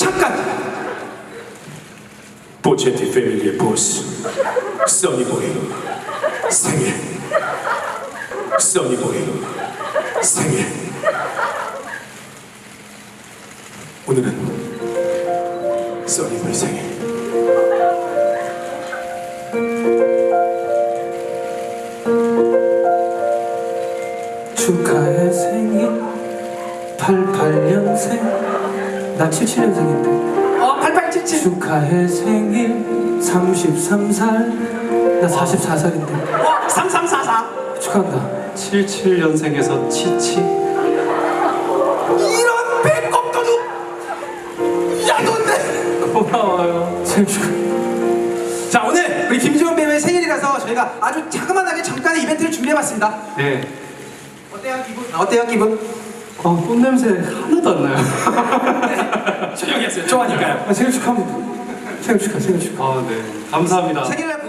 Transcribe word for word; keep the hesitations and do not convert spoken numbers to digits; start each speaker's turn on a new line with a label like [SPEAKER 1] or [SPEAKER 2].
[SPEAKER 1] 잠깐! 보체티 패밀리의 보스 써니보이 생일. 써니보이 생일. 오늘은 써니보이 생일.
[SPEAKER 2] 축하해 생일 팔십팔 년생 나 칠십칠 년생인데
[SPEAKER 1] 어, 팔팔칠칠.
[SPEAKER 2] 축하해 생일 삼십삼 살 나 사십사 살인데
[SPEAKER 1] 어, 삼삼사사.
[SPEAKER 2] 축하한다.
[SPEAKER 3] 칠십칠 년생에서 치치.
[SPEAKER 1] 이런 배꼽도둑. 야돈데.
[SPEAKER 2] 고마워요. 생일 축하.
[SPEAKER 1] 자, 오늘 우리 김지원 배우의 생일이라서 저희가 아주 자그마하게 잠깐의 이벤트를 준비해봤습니다.
[SPEAKER 3] 네.
[SPEAKER 1] 어때요 기분? 어때요 기분?
[SPEAKER 3] 어, 꽃냄새 하나도 안 나요.
[SPEAKER 1] 조용히 하세요. 좋아하니까요.
[SPEAKER 2] 아, 생일 축하합니다. 생일 축하 생일 축하.
[SPEAKER 3] 아, 네. 감사합니다.
[SPEAKER 1] 생일날